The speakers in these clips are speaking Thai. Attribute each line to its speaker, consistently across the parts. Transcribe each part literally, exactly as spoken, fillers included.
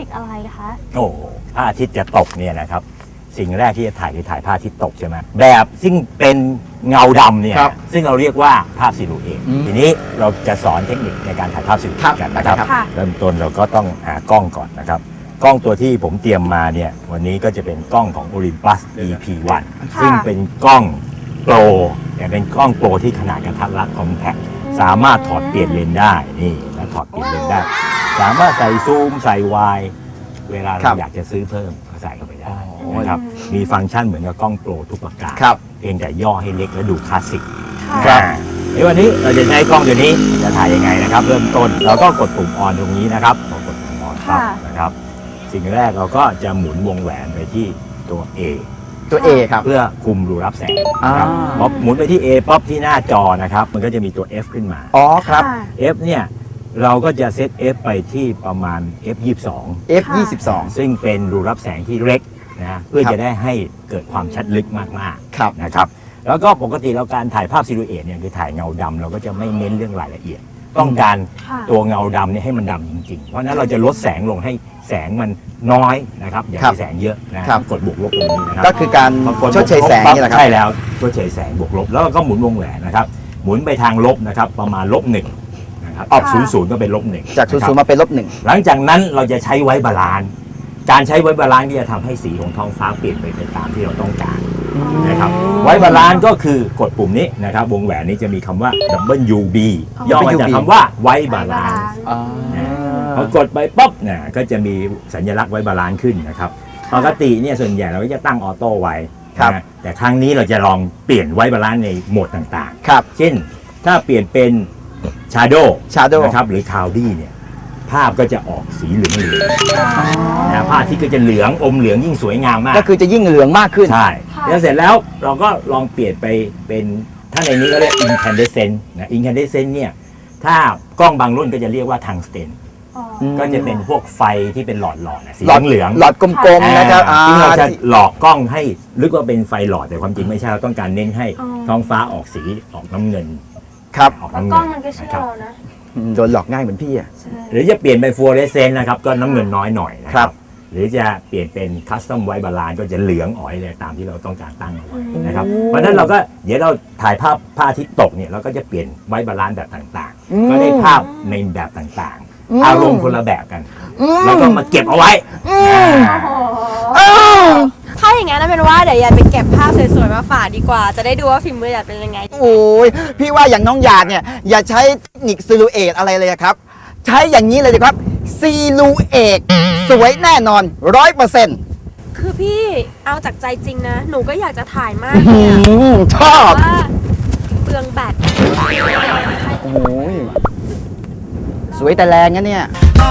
Speaker 1: ตอะไรคะ
Speaker 2: โอ้พระอาทิตย์จะตกเนี่ยนะครับสิ่งแรกที่จะถ่ายคือถ่ายพระอาทิตย์ตกใช่ไหมแบบซึ่งเป็นเงาดำเนี่ยซึ่งเราเรียกว่าภาพซิลูเอตทีนี้เราจะสอนเทคนิคในการถ่ายภาพซิลูเอตกันนะครับเริ่มต้นเราก็ต้องหากล้องก่อนนะครับกล้องตัวที่ผมเตรียมมาเนี่ยวันนี้ก็จะเป็นกล้องของ Olympus อี พี วัน ซึ่งเป็นกล้องโปรแต่เป็นกล้องโปรที่ขนาดกระทัดรัดคอมแพคสามารถถอดเปลี่ยนเลนส์ได้นี่แล้วถอดเปลี่ยนเลนส์ได้สามารถใส่ซูมใส่วายเวลาเราอยากจะซื้อเพิ่มก็ใส่เข้าไปได้นะครับมีฟังก์ชันเหมือนกับกล้องโปรทุกประการเพียงแต่ย่อให้เล็กและดูคลาสสิกครับในวันนี้เราจะใช้กล้องตัวนี้จะถ่ายยังไงนะครับเริ่มต้นเราก็กดปุ่มออนตรงนี้นะครับพอกดปุ่มออนครับนะครับสิ่งแรกเราก็จะหมุนวงแหวนไปที่ตัว A
Speaker 3: ตัว A ครับ
Speaker 2: เพื่อคุมรูรับแสงนะครับพอหมุนไปที่ A ป๊อปที่หน้าจอนะครับมันก็จะมีตัว F ขึ้นมา
Speaker 3: อ๋อครับ
Speaker 2: F เนี่ยเราก็จะเซต F ไปที่ประมาณ เอฟ ยี่สิบสอง
Speaker 3: เอฟ ยี่สิบสอง
Speaker 2: ซึ่งเป็นรูรับแสงที่เล็กนะเพื่อจะได้ให้เกิดความชัดลึกมากๆนะครับแล้วก็ปกติเราการถ่ายภาพซิลูเอตเนี่ยคือถ่ายเงาดำเราก็จะไม่เน้นเรื่องรายละเอียดต้องการตัวเงาดำเนี่ยให้มันดำจริงๆเพราะนั้นเราจะลดแสงลงให้แสงมันน้อยนะครับอย่าให้แสงเยอะนะกดบวกลบตรงนี้นะครับ
Speaker 3: ก็คือการชดเชยแสงนี่แหละครับ
Speaker 2: ใช่แล้วชดเชยแสงบวกลบแล้วก็หมุนวงแหวนนะครับหมุนไปทางลบนะครับประมาณลบหนึ่งนะครับออกศูนย์ศูนย์ก็เป็นลบหนึ่ง
Speaker 3: จากศูนย์ศูนย์มาเป็นลบหนึ่ง
Speaker 2: หลังจากนั้นเราจะใช้ไว้บาลานซ์การใช้ไว้บาลานซ์ที่จะทำให้สีของท้องฟ้าเปลี่ยนไปเป็นตามที่เราต้องการนะครับไว้บาลานซ์ก็คือกดปุ่มนี้นะครับวงแหวนนี้จะมีคำว่า ดับเบิลยู บี ย่อมาจากคำว่าไว้บาลานซ์พอกดไปปุ๊บเนี่ยก็จะมีสัญลักษณ์ไว้บาลานซ์ขึ้นนะครับปกติเนี่ยส่วนใหญ่เราก็จะตั้งออโต้ไว้นะแต่ครั้งนี้เราจะลองเปลี่ยนไว้บาลานซ์ในโหมดต่างๆเช่นถ้าเปลี่ยนเป็น Shadow นะครับหรือ Cloudy เนี่ยภาพก็จะออกสีเหลืองเหลืองนะภาพที่ก็จะเหลืองอมเหลืองยิ่งสวยงามมาก
Speaker 3: ก็คือจะยิ่งเหลืองมากขึ้น
Speaker 2: ใช่แล้วเสร็จแล้วเราก็ลองเปลี่ยนไปเป็นถ้าในนี้ก็เรียก incandescent นะ incandescent เนี่ยถ้ากล้องบางรุ่นก็จะเรียกว่า tungsten ก็จะเป็นพวกไฟที่เป็นหลอดหลอดสีเหลือง
Speaker 3: หลอดกลมๆนะครับ
Speaker 2: ที่เราจะหลอกกล้องให้ลึกว่าเป็นไฟหลอดแต่ความจริงไม่ใช่เราต้องการเน้นให้ท้องฟ้าออกสีออกน้ำเงิน
Speaker 3: ครับ
Speaker 2: ออก
Speaker 1: น้ำเงินกล้องมันก็เชื่อเรานะ
Speaker 3: โดนหลอกง่ายเหมือนพี่อ่ะ
Speaker 2: หรือจะเปลี่ยนเป็นฟลูออเรสเซนต์นะครับก็น้ำเงินน้อยหน่อยนะครับหรือจะเปลี่ยนเป็นคัสตอมไวท์บาลานซ์ก็จะเหลืองอ๋อยเลยตามที่เราต้องการตั้งเอาไว้นะครับเพราะฉะนั้นเราก็เดี๋ยวเราถ่ายภาพพระอาทิตย์ตกเนี่ยเราก็จะเปลี่ยนไวท์บาลานซ์แบบต่างๆก็ได้ภาพในแบบต่างๆอารมณ์คนละแบบกันแล้วก็มาเก็บเอาไว้
Speaker 1: ถ้าอย่างงั้นเป็นว่าเดี๋ยวอยากไปเก็บภาพสวยๆมาฝากดีกว่าจะได้ดูว่าฝีมืออยากเป็นยังไง
Speaker 3: โอ้ยพี่ว่าอย่างน้องหยาดเนี่ยอย่าใช้เทคนิคซิลูเอตอะไรเลยครับใช้อย่างนี้เลยดีครับซิลูเอตสวยแน่นอนร้อยเปอร์เซ็นต์
Speaker 1: คือพี่เอาจากใจจริงนะหนูก็อยากจะถ่ายมากเลย
Speaker 3: ชอบ
Speaker 1: เปลืองแบต
Speaker 3: โอ้ยสวยแต่แรงนะเนี่ย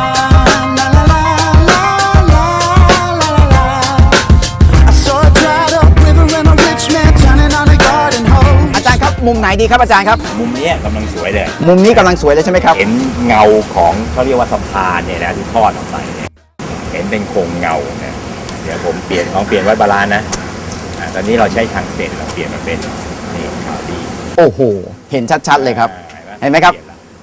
Speaker 3: มุมไหนดีครับอาจารย์ครับ
Speaker 2: มุมนี้กำลังสวยเลย
Speaker 3: มุมนี้กำลังสวยเลยใช่ไหมครับ
Speaker 2: เห็นเงาของเขาเรียกว่าสะพานเนี่ยนะที่ทอดออกไปเนี่ยเห็นเป็นโครงเงาเนี่ยเดี๋ยวผมเปลี่ยนลองเปลี่ยนไว้บาลานซ์นะอ่าตอนนี้เราใช้ทางเส้นเราเปลี่ยนมาเป็นนี่ขาวดี
Speaker 3: โอ้โหเห็นชัดๆเลยครับเห็นไหมครับ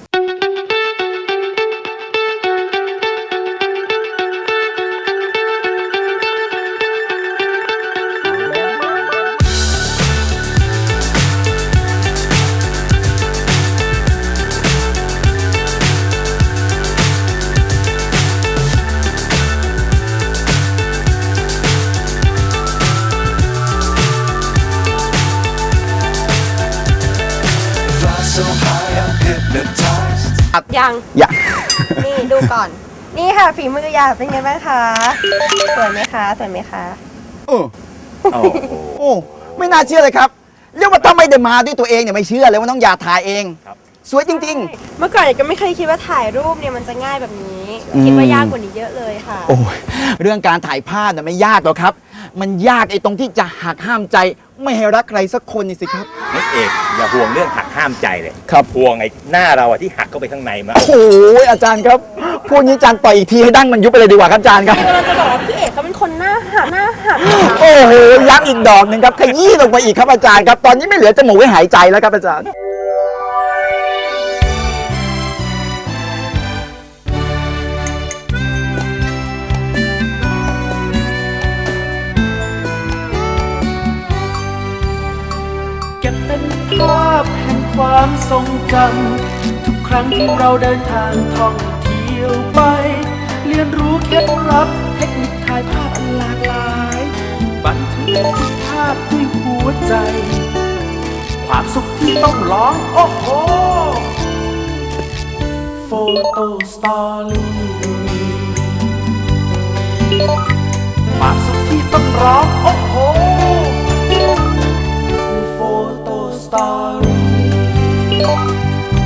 Speaker 1: ยัง
Speaker 3: ยัง
Speaker 1: นี่ดูก่อนนี่ค่ะฝีมืออยากเป็นไงบ้างคะสวยไหมคะสวยไหมคะ
Speaker 3: โอ้โอ้ไม่น่าเชื่อเลยครับเรียกว่าถ้าไม่ได้มาด้วยตัวเองเนี่ยไม่เชื่อเลยว่าน้องหยาดถ่ายเองสวยจริง
Speaker 1: ๆเมื่อก่อนก็ไม่เคยคิดว่าถ่ายรูปเนี่ยมันจะง่ายแบบนี้คิดว่ายากกว่านี้เยอะเลยค่ะ
Speaker 3: โอ้ยเรื่องการถ่ายภาพเนี่ยไม่ยากหรอกครับมันยากไอ้ตรงที่จะหักห้ามใจไม่ให้รักใครสักคนนี่สิครับ
Speaker 2: นักเอกอย่าห่วงเรื่องหักห้ามใจเลย
Speaker 3: ครับ
Speaker 2: ห่วงไอ้หน้าเราอะที่หักเข้าไปข้างในมา
Speaker 3: โอ้ยอาจารย์ครับพูดนี้อาจารย์ต่อยอีกทีให้ดั้งมันยุบไปเลยดีกว่าครับอาจารย์ครับ
Speaker 1: เราจะบอกว่าพี่เอกเขาเป็นคนหน้าหักหน้าหัก
Speaker 3: โอ้โหย้ำอีกดอกหนึ่งครับขยี้ลงไปอีกครับอาจารย์ครับตอนนี้ไม่เหลือจมูกไว้หายใจแล้วครับอาจารย์
Speaker 4: ความทรงจำทุกครั้งที่เราเดินทางท่องเที่ยวไปเรียนรู้เคล็ดลับเทคนิคถ่ายภาพอันหลากหลายบันทึกทุกภาพด้วยหัวใจความสุขที่ต้องร้องโอ้โหโฟโต้สตอรี่ความสุขที่ต้องร้องโอ้โห